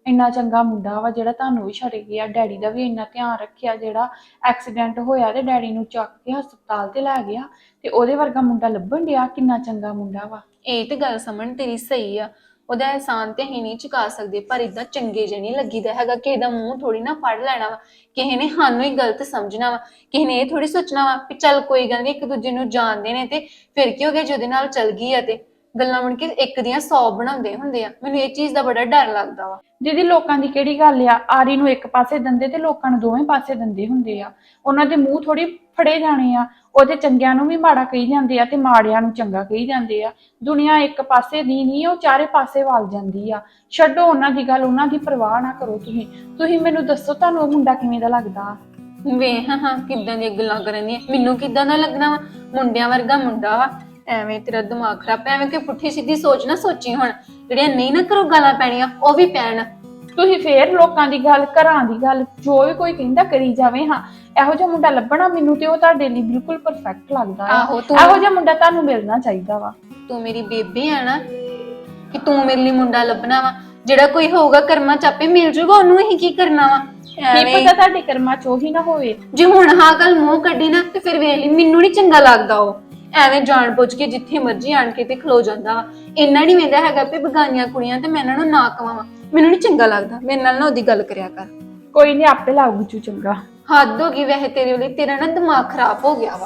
[SPEAKER 1] ਇੰਨਾ ਚੰਗਾ ਮੁੰਡਾ ਵਾ ਜਿਹੜਾ ਤੁਹਾਨੂੰ ਵੀ ਛੱਡ ਗਿਆ, ਡੈਡੀ ਦਾ ਵੀ ਇੰਨਾ ਧਿਆਨ ਰੱਖਿਆ, ਜਿਹੜਾ ਐਕਸੀਡੈਂਟ ਹੋਇਆ ਤੇ ਡੈਡੀ ਨੂੰ ਚੱਕ ਕੇ ਹਸਪਤਾਲ ਤੇ ਲੈ ਗਿਆ, ਤੇ ਉਹਦੇ ਵਰਗਾ ਮੁੰਡਾ ਲੱਭਣ ਡਿਆ, ਕਿੰਨਾ ਚੰਗਾ ਮੁੰਡਾ ਵਾ।
[SPEAKER 2] ਇਹ ਤੇ ਗੱਲ ਸਮਝ ਤੇਰੀ ਸਹੀ ਆ, ਉਹਦਾ ਅਹਿਸਾਨ ਤੇ ਅਸੀਂ ਨਹੀਂ ਚੁਕਾ ਸਕਦੇ, ਪਰ ਇਦਾਂ ਚੰਗੇ ਜਿਹੇ ਨਹੀਂ ਲੱਗੀਦਾ ਹੈਗਾ। ਕਿਸੇ ਦਾ ਮੂੰਹ ਥੋੜੀ ਨਾ ਫੜ ਲੈਣਾ ਵਾ, ਕਿਸੇ ਨੇ ਸਾਨੂੰ ਹੀ ਗਲਤ ਸਮਝਣਾ ਵਾ, ਕਿਸੇ ਨੇ ਇਹ ਥੋੜੀ ਸੋਚਣਾ ਵਾ ਵੀ ਚੱਲ ਕੋਈ ਗੱਲ ਨਹੀਂ, ਇੱਕ ਦੂਜੇ ਨੂੰ ਜਾਣਦੇ ਨੇ ਤੇ ਫਿਰ ਕੀ ਹੋ ਗਿਆ ਜਿਹਦੇ ਨਾਲ ਚੱਲ ਗਈ ਆ। ਤੇ ਗੱਲਾਂ ਬਣ ਕੇ ਇੱਕ ਦੀਆਂ ਸੌ ਬਣਾਉਂਦੇ ਹੁੰਦੇ ਆ, ਮੈਨੂੰ ਇਹ ਚੀਜ਼ ਦਾ ਬੜਾ ਡਰ ਲੱਗਦਾ ਵਾ।
[SPEAKER 1] ਦੀਦੀ ਲੋਕਾਂ ਦੀ ਕਿਹੜੀ ਗੱਲ ਆ, ਆਰੀ ਨੂੰ ਇੱਕ ਪਾਸੇ ਦੰਦੇ ਤੇ ਲੋਕਾਂ ਨੂੰ ਦੋਵੇਂ ਪਾਸੇ ਦੰਦੇ ਹੁੰਦੇ ਆ, ਉਹਨਾਂ ਦੇ ਮੂੰਹ ਥੋੜੀ ਫੜੇ ਜਾਣੇ ਆ। ਉਹਦੇ ਚੰਗਿਆਂ ਨੂੰ ਵੀ ਮਾੜਾ ਕਹੀ ਜਾਂਦੇ ਆ ਤੇ ਮਾੜਿਆਂ ਨੂੰ ਚੰਗਾ ਕਹੀ ਜਾਂਦੇ ਆ। ਦੁਨੀਆ ਇੱਕ ਪਾਸੇ ਦੀ ਨਹੀਂ, ਉਹ ਚਾਰੇ ਪਾਸੇ ਵੱਲ ਜਾਂਦੀ ਆ। ਛੱਡੋ ਉਹਨਾਂ ਦੀ ਗੱਲ, ਉਹਨਾਂ ਦੀ ਪਰਵਾਹ ਨਾ ਕਰੋ। ਤੁਸੀਂ ਤੁਸੀਂ ਮੈਨੂੰ ਦੱਸੋ ਤੁਹਾਨੂੰ ਉਹ ਮੁੰਡਾ ਕਿਵੇਂ ਦਾ ਲੱਗਦਾ?
[SPEAKER 2] ਵੇਖ ਹਾਂ ਕਿੱਦਾਂ ਦੀਆਂ ਗੱਲਾਂ ਕਰਨ ਦੀਆਂ, ਮੈਨੂੰ ਕਿੱਦਾਂ ਦਾ ਲੱਗਣਾ ਵਾ? ਮੁੰਡਿਆਂ ਵਰਗਾ ਮੁੰਡਾ ਵਾ। ਐਵੇਂ ਤੇਰਾ ਦਿਮਾਗ ਖਰਾਬ, ਐਵੇਂ ਕਿ ਪੁੱਠੀ ਸਿੱਧੀ ਸੋਚ ਨਾ ਸੋਚੀ। ਹੁਣ ਜਿਹੜੀਆਂ ਨਹੀਂ ਨਾ ਕਰੋ ਗਾਲਾਂ ਪੈਣੀਆਂ ਉਹ ਵੀ ਪੈਣ।
[SPEAKER 1] ਤੁਸੀਂ ਫੇਰ ਲੋਕਾਂ ਦੀ ਗੱਲ, ਘਰਾਂ ਦੀ ਗੱਲ, ਜੋ ਵੀ ਕੋਈ ਕਹਿੰਦਾ ਕਰੀ ਜਾਵੇ। ਹਾਂ ਇਹੋ ਜਿਹਾ ਮੁੰਡਾ ਲੱਭਣਾ ਮੈਨੂੰ ਤੇ ਉਹ ਤੁਹਾਡੇ ਲਈ ਬਿਲਕੁਲ ਪਰਫੈਕਟ ਲੱਗਦਾ ਹੈ।
[SPEAKER 2] ਆਹੋ, ਤੂੰ
[SPEAKER 1] ਇਹੋ ਜਿਹਾ ਮੁੰਡਾ ਤੁਹਾਨੂੰ ਮਿਲਣਾ ਚਾਹੀਦਾ ਵਾ।
[SPEAKER 2] ਤੂੰ ਮੇਰੀ ਬੇਬੀ ਆ ਨਾ, ਕਿ ਤੂੰ ਮੇਰੇ ਲਈ ਮੁੰਡਾ ਲੱਭਣਾ ਵਾ। ਜਿਹੜਾ ਕੋਈ ਹੋਊਗਾ ਕਰਮਾਂ ਚ ਆਪੇ ਮਿਲ ਜੂਗਾ, ਉਹਨੂੰ ਹੀ ਕੀ ਕਰਨਾ ਵਾ?
[SPEAKER 1] ਕੀ ਪਤਾ ਤੁਹਾਡੇ ਕਰਮਾਂ ਚ ਉਹੀ ਨਾ ਹੋਵੇ।
[SPEAKER 2] ਜੇ ਹੁਣ ਹਾਂ ਗੱਲ ਮੂੰਹ ਕੱਢੀ ਨਾ ਤੇ ਫਿਰ ਵੇਖ ਲਈ, ਮੈਨੂੰ ਨਹੀਂ ਚੰਗਾ ਲੱਗਦਾ। ਉਹ ਐਵੇਂ ਜਾਣ ਬੁੱਝ ਕੇ ਜਿੱਥੇ ਮਰਜ਼ੀ ਆਣ ਕੇ ਤੇ ਖਲੋ ਜਾਂਦਾ ਵਾ। ਇੰਨਾ ਨਹੀਂ ਵੇਂਦਾ ਹੈਗਾ ਵੀ ਬਗਾਨੀਆਂ ਕੁੜੀਆਂ ਤੇ ਮੈਂ ਇਹਨਾਂ ਨੂੰ ਨਾ ਕਵਾਂ। ਮੈਨੂੰ ਨਹੀਂ ਚੰਗਾ ਲੱਗਦਾ, ਮੇਰੇ ਨਾਲ ਨਾ ਉਹਦੀ ਗੱਲ ਕਰਿਆ ਕਰ।
[SPEAKER 1] ਕੋਈ ਨਹੀਂ ਆਪੇ ਲਾਊ ਚੂ ਚੰਗਾ।
[SPEAKER 2] ਹੱਦ ਹੋ ਗਈ ਵੈਸੇ ਤੇਰੇ ਲਈ, ਤੇਰਾ ਨਾ ਦਿਮਾਗ ਖਰਾਬ ਹੋ ਗਿਆ ਵਾ।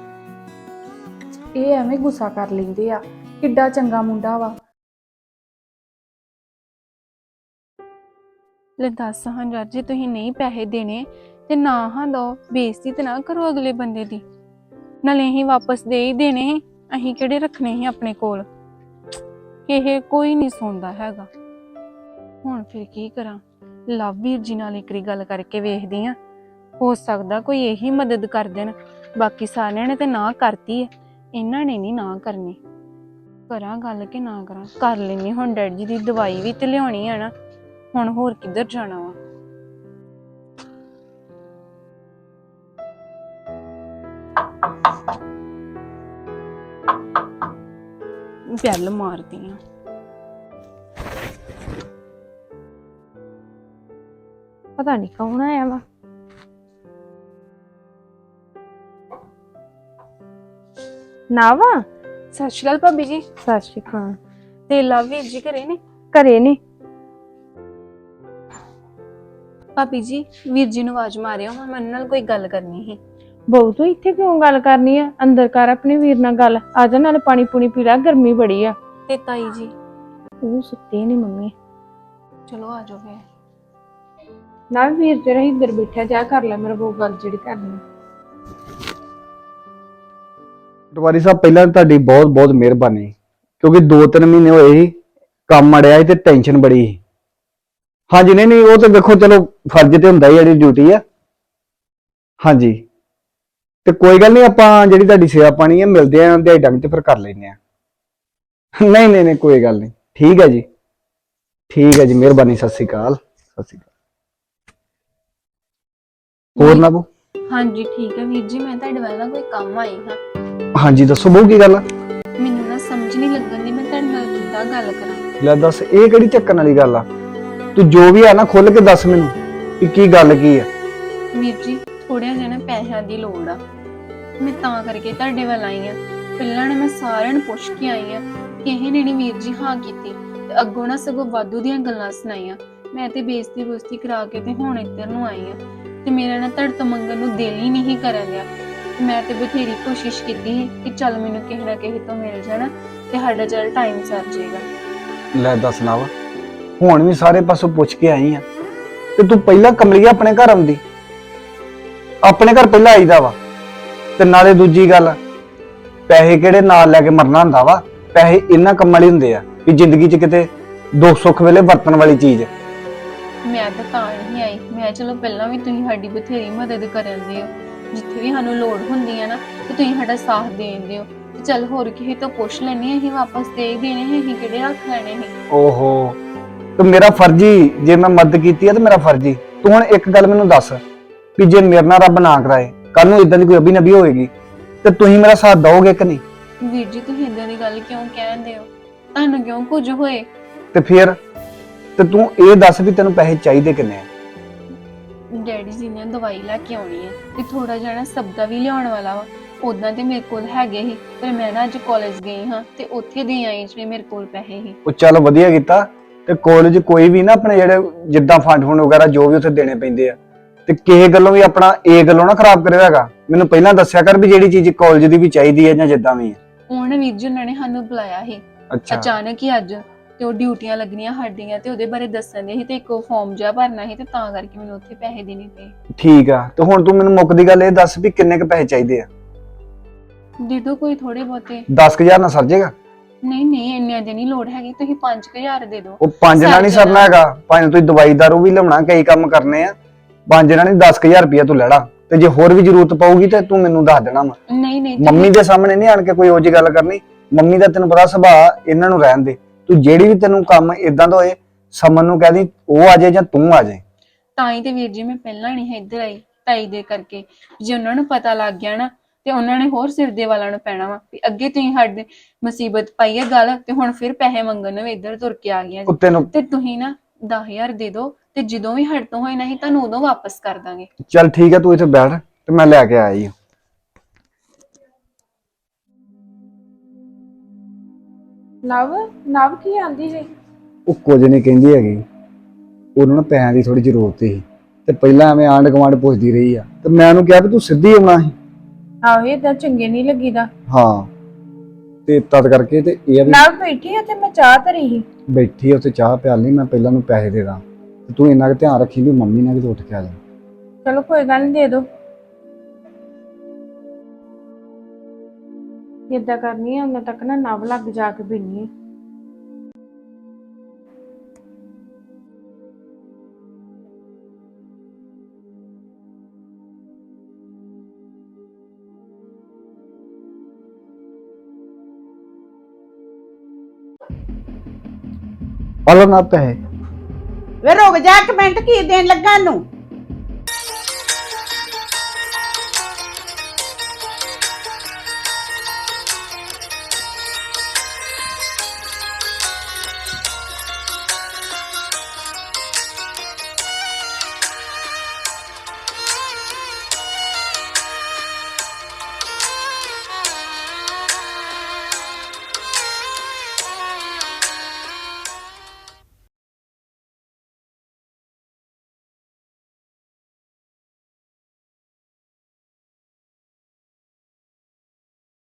[SPEAKER 1] ਇਹ ਐਵੇਂ ਗੁੱਸਾ ਕਰ ਲੈਂਦੇ ਆ, ਕਿੱਡਾ ਚੰਗਾ ਮੁੰਡਾ ਵਾ।
[SPEAKER 2] ਲੈ ਦੱਸ ਹਾਂ ਯਾਰ, ਜੇ ਤੁਸੀਂ ਨਹੀਂ ਪੈਸੇ ਦੇਣੇ ਤੇ ਨਾ ਹਾਂ ਦੋ, ਬੇਇੱਜ਼ਤੀ ਤੇ ਨਾ ਕਰੋ ਅਗਲੇ ਬੰਦੇ ਦੀ। ਨਾਲੇ ਅਸੀਂ ਵਾਪਸ ਦੇ ਹੀ ਦੇਣੇ ਸੀ, ਅਸੀਂ ਕਿਹੜੇ ਰੱਖਣੇ ਸੀ ਆਪਣੇ ਕੋਲ। ਇਹ ਕੋਈ ਨਹੀਂ ਸੁਣਦਾ ਹੈਗਾ। ਹੁਣ ਫਿਰ ਕੀ ਕਰਾਂ? ਲਵ ਵੀਰ ਜੀ ਨਾਲ ਇੱਕ ਵਾਰੀ ਗੱਲ ਕਰਕੇ ਵੇਖਦੀ ਆ, ਹੋ ਸਕਦਾ ਕੋਈ ਇਹੀ ਮਦਦ ਕਰ ਦੇਣ। ਬਾਕੀ ਸਾਰਿਆਂ ਨੇ ਤੇ ਨਾ ਕਰਤੀ ਹੈ, ਇਹਨਾਂ ਨੇ ਨਹੀਂ ਨਾ ਕਰਨੀ। ਕਰਾਂ ਗੱਲ ਕਿ ਨਾ ਕਰਾਂ? ਕਰ ਲੈਣੀ। ਹੁਣ ਡੈਡੀ ਜੀ ਦੀ ਦਵਾਈ ਵੀ ਤੇ ਲਿਆਉਣੀ ਆ ਨਾ, ਹੁਣ ਹੋਰ ਕਿੱਧਰ ਜਾਣਾ ਵਾ? ਬੈਲ ਮਾਰਦੀ ਆ।
[SPEAKER 6] ਪਤਾ ਨਹੀਂ ਕੌਣ ਆਇਆ ਵਾ। ਨਾ ਵਾ।
[SPEAKER 2] ਸਤਿ ਸ਼੍ਰੀ ਅਕਾਲ ਭਾਬੀ ਜੀ।
[SPEAKER 6] ਸਤਿ ਸ਼੍ਰੀ ਅਕਾਲ।
[SPEAKER 2] ਤੇ ਲਵ ਵੀਰ ਜੀ ਘਰੇ ਨੇ?
[SPEAKER 6] ਘਰੇ ਨੇ।
[SPEAKER 2] ਭਾਬੀ ਜੀ ਵੀਰ ਜੀ ਨੂੰ ਆਵਾਜ਼ ਮਾਰਿਓ, ਹੁਣ ਮੇਰੇ ਨਾਲ ਕੋਈ ਗੱਲ ਕਰਨੀ ਸੀ।
[SPEAKER 6] ਬਹੁ ਤੂੰ ਇੱਥੇ ਕਿਉਂ ਗੱਲ ਕਰਨੀ ਆ? ਅੰਦਰ ਕਰ ਆਪਣੇ ਵੀਰ ਨਾਲ ਗੱਲ। ਆ ਜਾ, ਨਾਲੇ ਪਾਣੀ ਪੂਣੀ ਪੀ ਲੈ, ਗਰਮੀ ਬੜੀ ਆ।
[SPEAKER 2] ਤੇ ਤਾਈ ਜੀ?
[SPEAKER 6] ਉਹ ਸੁੱਤੇ ਨੇ ਮੰਮੀ।
[SPEAKER 2] ਚਲੋ ਆ ਜਾਓ ਫੇਰ।
[SPEAKER 6] ਨਾ ਵੀਰ ਤੇਰਾ ਇੱਧਰ ਬੈਠਾ, ਜਾ ਕਰ ਲੈ ਮੇਰੇ ਕੋਲ ਗੱਲ ਜਿਹੜੀ ਕਰਨੀ।
[SPEAKER 4] ਪਟਵਾਰੀ ਸਾਹਿਬ ਪਹਿਲਾਂ ਤੁਹਾਡੀ ਬਹੁਤ ਬਹੁਤ ਮਿਹਰਬਾਨੀ, ਕਿਉਂਕਿ ਦੋ ਤਿੰਨ ਮਹੀਨੇ ਹੋਏ ਸੀ ਕੰਮ ਅੜਿਆ ਸੀ ਤੇ ਟੈਨਸ਼ਨ ਬੜੀ ਸੀ। ਹਾਂਜੀ ਨਹੀਂ ਨਹੀਂ ਉਹ ਤਾਂ ਵੇਖੋ ਚਲੋ ਫਰਜ਼ ਤੇ ਹੁੰਦਾ ਹੀ, ਜਿਹੜੀ ਡਿਊਟੀ ਆ। ਹਾਂਜੀ ਤੇ ਕੋਈ ਗੱਲ ਨਹੀਂ, ਆਪਾਂ ਜਿਹੜੀ ਤੁਹਾਡੀ ਸੇਵਾ ਪਾਣੀ ਹੈ ਮਿਲਦੇ ਆਂ ਦਿਹਾੜੀ ਡੰਗ ਤੇ ਫਿਰ ਕਰ ਲੈਂਦੇ ਆ। ਨਹੀਂ ਨਹੀਂ ਨਹੀਂ ਕੋਈ ਗੱਲ ਨਹੀਂ, ਠੀਕ ਹੈ ਜੀ, ਠੀਕ ਹੈ ਜੀ, ਮਿਹਰਬਾਨੀ। ਸਤਿ ਸ਼੍ਰੀ ਅਕਾਲ। ਸਤਿ ਸ਼੍ਰੀ ਅਕਾਲ। ਹੋਰ ਨਾ ਬੋ?
[SPEAKER 2] ਹਾਂਜੀ ਠੀਕ ਹੈ ਵੀਰ ਜੀ, ਮੈਂ ਤੁਹਾਡੇ ਵੱਲ ਨਾ ਕੋਈ ਕੰਮ ਆਈ ਹਾਂ।
[SPEAKER 4] ਹਾਂਜੀ ਦੱਸੋ ਬੋ, ਕੀ ਗੱਲ ਆ?
[SPEAKER 2] ਮੈਨੂੰ ਨਾ ਸਮਝ ਨਹੀਂ ਲੱਗਣ ਦੀ ਮੈਂ ਤੁਹਾਡੇ ਨਾਲ ਕਿੱਦਾਂ ਗੱਲ ਕਰਾਂ।
[SPEAKER 4] ਲੈ ਦੱਸ, ਇਹ ਕਿਹੜੀ ਚੱਕਣ ਵਾਲੀ ਗੱਲ ਆ? ਤੂੰ ਜੋ ਵੀ ਆ ਨਾ ਖੁੱਲ ਕੇ ਦੱਸ ਮੈਨੂੰ ਕਿ ਕੀ ਗੱਲ ਕੀ ਆ।
[SPEAKER 2] ਵੀਰ ਜੀ ਥੋੜ੍ਹਾ ਜਿਹਾ ਨਾ ਪੈਸਿਆਂ ਦੀ ਲੋੜ ਆ, ਮੈਂ ਤਾਂ ਕਰਕੇ ਤੁਹਾਡੇ ਵੱਲ ਆਈ ਆ। ਪਹਿਲਾਂ ਨਾ ਮੈਂ ਸਾਰਿਆਂ ਨੂੰ ਪੁੱਛ ਕੇ ਆਈ ਆ, ਕਿਸੇ ਨੇ ਨਹੀਂ ਵੀਰ ਜੀ ਹਾਂ ਕੀਤੀ, ਤੇ ਅੱਗੋਂ ਨਾ ਸਗੋਂ ਵਾਧੂ ਦੀਆਂ ਗੱਲਾਂ ਸੁਣਾਈਆਂ। ਮੈਂ ਤੇ ਬੇਇੱਜ਼ਤੀ ਬੁਸਤੀ ਕਰਾ ਕੇ ਤੇ ਹੁਣ ਇੱਧਰ ਨੂੰ ਆਈ ਆ, ਤੇ ਮੇਰਾ ਨਾ ਤੁਹਾਡੇ ਤੋਂ ਮੰਗਣ ਨੂੰ ਦਿਲ ਹੀ ਨਹੀਂ ਕਰਨ ਡਿਆ। ਮੈਂ ਤੇ ਬਥੇਰੀ ਕੋਸ਼ਿਸ਼ ਕੀਤੀ ਸੀ ਕਿ ਚੱਲ ਮੈਨੂੰ ਕਿਸੇ ਨਾ ਕਿਸੇ ਤੋਂ ਮਿਲ ਜਾਣਾ ਤੇ ਸਾਡਾ ਚੱਲ ਟਾਈਮ ਸਰ ਜਾਏਗਾ।
[SPEAKER 4] ਲੈ ਦੱਸ ਨਾ ਵਾ, ਹੁਣ ਵੀ ਸਾਰੇ ਪਾਸੋਂ ਪੁੱਛ ਕੇ ਆਈ ਆ ਤੇ ਤੂੰ ਪਹਿਲਾਂ ਕਮਲੀਆ ਆਪਣੇ ਘਰ ਆਉਂਦੀ। ਆਪਣੇ ਘਰ ਪਹਿਲਾਂ ਆਈਦਾ ਵਾ। ਤੇ ਨਾਲੇ ਦੂਜੀ ਗੱਲ, ਪੈਸੇ ਕਿਹੜੇ ਨਾਲ ਲੈ ਕੇ ਮਰਨਾ ਹੁੰਦਾ ਵਾ? ਪੈਸੇ ਇਹਨਾਂ ਕੰਮਾਂ ਲਈ ਹੁੰਦੇ ਆ ਵੀ ਜ਼ਿੰਦਗੀ 'ਚ ਕਿਤੇ ਦੁੱਖ ਸੁੱਖ ਵੇਲੇ ਵਰਤਣ ਵਾਲੀ ਚੀਜ਼।
[SPEAKER 2] ਮੈਂ ਤਾਂ ਤਾਂ ਨਹੀਂ ਆਈ, ਮੈਂ ਚਲੋ ਪਹਿਲਾਂ ਵੀ ਤੁਸੀਂ ਸਾਡੀ ਬਥੇਰੀ ਮਦਦ ਕਰਨ ਦੇ ਹੋ, ਜਿੱਥੇ ਵੀ ਸਾਨੂੰ ਲੋੜ ਹੁੰਦੀ ਹੈ ਨਾ ਤੇ ਤੁਸੀਂ ਸਾਡਾ ਸਾਥ ਦੇਂਦੇ ਹੋ। ਤੇ ਚੱਲ ਹੋਰ ਕਿਸੇ ਤੋਂ ਪੁੱਛ ਲੈਣੀ, ਅਸੀਂ ਵਾਪਸ ਦੇ ਹੀ ਦੇਣੇ ਸੀ, ਅਸੀਂ ਕਿਹੜੇ ਰੱਖ ਲੈਣੇ ਸੀ।
[SPEAKER 4] ਓਹੋ, ਤੇ ਮੇਰਾ ਫਰਜ਼ੀ, ਜੇ ਮੈਂ ਮਦਦ ਕੀਤੀ ਆ ਤੇ ਮੇਰਾ ਫਰਜ਼ੀ। ਤੂੰ ਹੁਣ ਇੱਕ ਗੱਲ ਮੈਨੂੰ ਦੱਸ ਵੀ ਜੇ ਮੇਰੇ ਨਾਲ ਰੱਬ ਨਾ ਕਰਾਏ ਕੱਲ ਨੂੰ ਇਦਾਂ ਦੀ ਕੋਈ ਅਭੀ ਨਬੀ ਹੋਏਗੀ ਤੇ ਤੁਸੀਂ ਮੇਰਾ ਸਾਥ ਦਓਗੇ ਕਿ ਨਹੀਂ?
[SPEAKER 2] ਵੀਰ ਜੀ ਤੁਸੀਂ ਇਦਾਂ ਦੀ ਗੱਲ ਕਿਉਂ ਕਹਿੰਦੇ ਹੋ? ਤੁਹਾਨੂੰ ਕਿਉਂ ਕੁਝ ਹੋਏ?
[SPEAKER 4] ਤੇ ਫਿਰ ਤੇ ਤੂੰ ਇਹ ਦੱਸ ਵੀ ਤੈਨੂੰ ਪੈਸੇ ਚਾਹੀਦੇ ਕਿੰਨੇ ਆ?
[SPEAKER 2] ਡੈਡੀ ਜੀ ਨੇ ਦਵਾਈ ਲੈ ਕੇ ਆਉਣੀ ਹੈ ਤੇ ਥੋੜਾ ਜਿਹਾ ਨਾ ਸਬਦਾ ਵੀ ਲਿਆਉਣ ਵਾਲਾ ਵਾ। ਉਦਾਂ ਤੇ ਮੇਰੇ ਕੋਲ ਹੈਗੇ ਸੀ, ਪਰ ਮੈਂ ਨਾ ਅੱਜ ਕਾਲਜ ਗਈ ਹਾਂ ਤੇ ਉੱਥੇ ਦੇ ਆਈ ਜਿਹੜੇ ਮੇਰੇ ਕੋਲ ਪੈਸੇ ਸੀ।
[SPEAKER 4] ਉਹ ਚੱਲ ਵਧੀਆ ਕੀਤਾ। ਤੇ ਕਾਲਜ ਕੋਈ ਵੀ ਨਾ ਆਪਣੇ ਜਿਹੜੇ ਜਿੱਦਾਂ ਫੰਡ ਫੰਡ ਵਗੈਰਾ ਜੋ ਵੀ ਉੱਥੇ ਦੇਣੇ ਪੈਂਦੇ ਆ, ਤੇ ਕਿਸੇ ਗੱਲੋਂ ਵੀ ਆਪਣਾ ਇਹ ਗੱਲੋਂ ਨਾ ਖਰਾਬ ਕਰਿਆ ਹੈਗਾ। ਮੈਨੂੰ ਪਹਿਲਾਂ ਦੱਸਿਆ ਕਰ ਵੀ ਜਿਹੜੀ ਚੀਜ਼ ਕਾਲਜ ਦੀ ਵੀ ਚਾਹੀਦੀ ਹੈ ਜਾਂ ਜਿੱਦਾਂ ਵੀ ਹੈ।
[SPEAKER 2] ਹੁਣ ਵੀਰ ਜੀ ਉਹਨਾਂ ਨੇ ਸਾਨੂੰ ਬੁਲਾਇਆ ਸੀ
[SPEAKER 4] ਅੱਛਾ
[SPEAKER 2] ਅਚਾਨਕ ਹੀ ਅੱਜ, ਤੇ ਉਹ ਡਿਊਟੀਆਂ ਲੱਗਣੀਆਂ ਸਾਡੀਆਂ ਤੇ ਉਹਦੇ ਬਾਰੇ ਦੱਸਣ ਦੇ ਸੀ ਤੇ ਇੱਕ ਫਾਰਮ ਜਿਹਾ ਭਰਨਾ ਸੀ, ਤੇ ਤਾਂ ਕਰਕੇ ਮੈਨੂੰ ਉੱਥੇ ਪੈਸੇ ਦੇਣੇ ਪਏ।
[SPEAKER 4] ਠੀਕ ਆ। ਤੇ ਹੁਣ ਤੂੰ ਮੈਨੂੰ ਮੁੱਕਦੀ ਗੱਲ ਇਹ ਦੱਸ ਵੀ ਕਿੰਨੇ ਕੁ ਪੈਸੇ ਚਾਹੀਦੇ ਆ?
[SPEAKER 2] ਦੇ ਦੋ ਕੋਈ ਥੋੜੇ ਬਹੁਤੇ।
[SPEAKER 4] ਦਸ ਹਜ਼ਾਰ ਨਾਲ ਸਰ ਜਾਏਗਾ?
[SPEAKER 2] ਨਹੀਂ ਨਹੀਂ ਇੰਨਿਆਂ ਦੀ ਨਹੀਂ ਲੋੜ ਹੈਗੀ, ਤੁਸੀਂ ਪੰਜ ਹਜ਼ਾਰ ਦੇ ਦਿਓ।
[SPEAKER 4] ਉਹ ਪੰਜ ਨਾਲ ਨਹੀਂ ਸਰਨਾ ਹੈਗਾ। ਭਾਵੇਂ ਤੁਸੀਂ ਦਵਾਈ ਦਾਰੂ ਵੀ ਲਿਆਉਣਾ, ਕਈ ਕੰਮ ਕਰਨੇ ਆ। ਪੰਜ ਨਾਲ ਨਹੀਂ, ਦਸ ਹਜ਼ਾਰ ਰੁਪਇਆ ਤੂੰ ਲੈ ਲਾ, ਤੇ ਜੇ ਹੋਰ ਵੀ ਜ਼ਰੂਰਤ ਪਊਗੀ ਤੇ ਤੂੰ ਮੈਨੂੰ ਦੱਸ ਦੇਣਾ ਵਾ।
[SPEAKER 2] ਨਹੀਂ ਨਹੀਂ
[SPEAKER 4] ਮੰਮੀ ਦੇ ਸਾਹਮਣੇ ਨਹੀਂ ਆਣ ਕੇ ਕੋਈ ਉਹ ਜਿਹੀ ਗੱਲ ਕਰਨੀ। ਮੰਮੀ ਦਾ ਤੈਨੂੰ ਪਤਾ ਸੁਭਾਅ, ਇਹਨਾਂ ਨੂੰ ਰਹਿਣ ਦੇ। ਤੂੰ ਜਿਹੜੀ ਵੀ ਤੈਨੂੰ ਕੰਮ ਇਦਾਂ ਦਾ ਹੋਏ, ਸਮਨ ਨੂੰ ਕਹਿ ਦੀ ਉਹ ਆ ਜਾਏ ਜਾਂ ਤੂੰ ਆ ਜਾਏ।
[SPEAKER 2] ਤਾਂ ਹੀ ਤੇ ਵੀਰ ਜੀ ਮੈਂ ਪਹਿਲਾਂ ਨਹੀਂ ਇੱਧਰ ਆਈ ਤਾਈ ਦੇ ਕਰਕੇ। ਜੇ ਉਹਨਾਂ ਨੂੰ ਪਤਾ ਲੱਗ ਗਿਆ ਨਾ ਤੇ ਉਹਨਾਂ ਨੇ ਹੋਰ ਸਿਰ ਦੇ ਵਾਲਾਂ ਨੂੰ ਪੈਣਾ ਵਾ ਵੀ ਅੱਗੇ ਤੁਸੀਂ ਸਾਡੇ ਮੁਸੀਬਤ ਪਾਈ ਹੈ ਗੱਲ, ਤੇ ਹੁਣ ਫਿਰ ਪੈਸੇ ਮੰਗਣ ਨੂੰ ਇੱਧਰ ਤੁਰ ਕੇ ਆ ਗਈਆਂ ਜੀ।
[SPEAKER 4] ਤੈਨੂੰ
[SPEAKER 2] ਤੇ ਤੁਸੀਂ ਨਾ ਦਸ ਹਜ਼ਾਰ ਦੇ ਦਿਓ, ਤੇ ਜਦੋਂ ਵੀ ਹੱਟ ਤੋਂ ਹੋਏ ਨਾ ਹੀ ਤੁਹਾਨੂੰ ਉਦੋਂ ਵਾਪਸ ਕਰ ਦਾਂਗੇ।
[SPEAKER 4] ਚੱਲ ਠੀਕ ਆ, ਤੂੰ ਇੱਥੇ ਬੈਠ ਤੇ ਮੈਂ ਲੈ ਕੇ ਆਇਆ ਜੀ।
[SPEAKER 1] ਨਵ ਨਵ ਕੀ ਆਂਦੀ ਜੀ?
[SPEAKER 4] ਉਹ ਕੁਝ ਨਹੀਂ ਕਹਿੰਦੀ ਹੈਗੀ। ਉਹਨਾਂ ਨੂੰ ਪੈਸਿਆਂ ਦੀ ਥੋੜੀ ਜ਼ਰੂਰਤ ਸੀ, ਤੇ ਪਹਿਲਾਂ ਐਵੇਂ ਆਂਢ ਗੁਆਂਢ ਪੁੱਛਦੀ ਰਹੀ ਆ, ਤੇ ਮੈਂ ਉਹਨੂੰ ਕਿਹਾ ਵੀ ਤੂੰ ਸਿੱਧੀ ਆਉਣਾ ਸੀ।
[SPEAKER 6] ਆਹੋ ਏਦਾਂ ਚੰਗੇ ਨਹੀਂ ਲੱਗੀਦਾ।
[SPEAKER 4] ਹਾਂ, ਤੇ ਤਦ ਕਰਕੇ ਤੇ ਇਹ ਆ ਵੀ
[SPEAKER 6] ਨਾਲ ਬੈਠੀ ਆ ਤੇ ਮੈਂ ਚਾਹ ਧਰੀ ਸੀ।
[SPEAKER 4] ਬੈਠੀ ਉੱਥੇ ਚਾਹ ਪਿਆਲੀ, ਮੈਂ ਪਹਿਲਾਂ ਨੂੰ ਪੈਸੇ ਦੇ ਦਾਂ, ਤੇ ਤੂੰ ਇੰਨਾ ਕੁ ਧਿਆਨ ਰੱਖੀ ਵੀ ਮੰਮੀ ਨਾਲ ਵੀ ਉੱਠ ਕੇ ਆ ਜਾ।
[SPEAKER 6] ਚਲੋ ਕੋਈ ਗੱਲ ਨਹੀਂ, ਦੇ ਦੋ। ਏਦਾਂ ਕਰਨੀ ਆ, ਉਹਨਾਂ ਤੱਕ ਨਾ ਨਵ ਲੱਗ ਜਾ ਕੇ ਬਿੰਨੀ।
[SPEAKER 4] ਹਲੋ ਨਾ ਪੈਸੇ।
[SPEAKER 5] ਵੇ ਰੁਕ ਜਾ ਇੱਕ ਮਿੰਟ, ਕੀ ਦੇਣ ਲੱਗਾ ਨੂੰ?